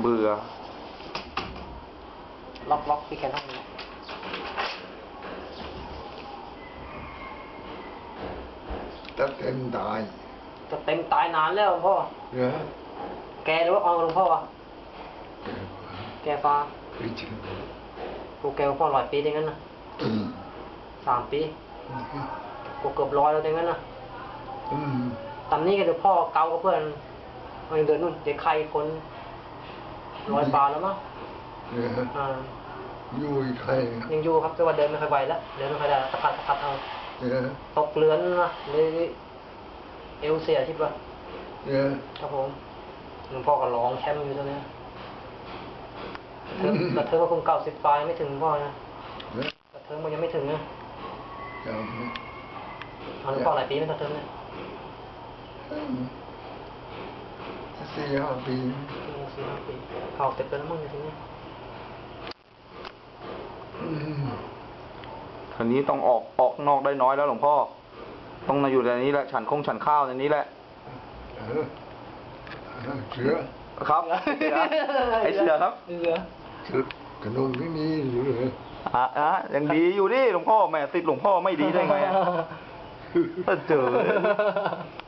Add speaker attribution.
Speaker 1: เบื่อ
Speaker 2: ล็อกพี่แกต้องนี้
Speaker 3: จะเต็มตาย
Speaker 2: จะเต็มตายนานแล้วหลวงพ่อแกหรือว่าหลวงพ่อแกฟ้ากูแกหลวงพ่อ100 ปีได้งั้นนะ3 ปีกูเกือบ100แล้วได้งั้นนะตอนนี้ก็เดี๋ยวพ่อเกากับเพื่อนเดินนู่นเด็กใครคน100 บาทแล้วมั้ง
Speaker 3: อยู่อีกใคร
Speaker 2: ยังอยู่ครับแต่ว่าเดินไม่ค่อยไหวแล้วเดินไม่ค่อยได้สะพัดเอาตกเรือนนะเลยเอวเสียทิพย์ว่ะครับผมหลวงพ่อก็ร้องแชมป์อยู่ตรงนี้กระเทิงมาคง90 ปลายไม่ถึงพ่อนะกระเทิงมันยังไม่ถึงนะหลวงพ่อหลายปีไม่กระเทิงเนี่ย
Speaker 3: 4-5 ปี
Speaker 2: 4-5 ปีเผาเต็มไปแล้วมั้งในที่นี้
Speaker 1: ทีนี้ต้องออกนอกได้น้อยแล้วหลวงพ่อต้องมาอยู่ในนี้แหละฉันข้าวในนี้แหละ
Speaker 3: เสือ
Speaker 1: ครับไอเสือครับ
Speaker 3: เสือกระนงที่นี่อยู่เลย
Speaker 1: ยังดีอยู่ดิหลวงพ่อแม่ติดหลวงพ่อไม่ดีได้ไงเจอ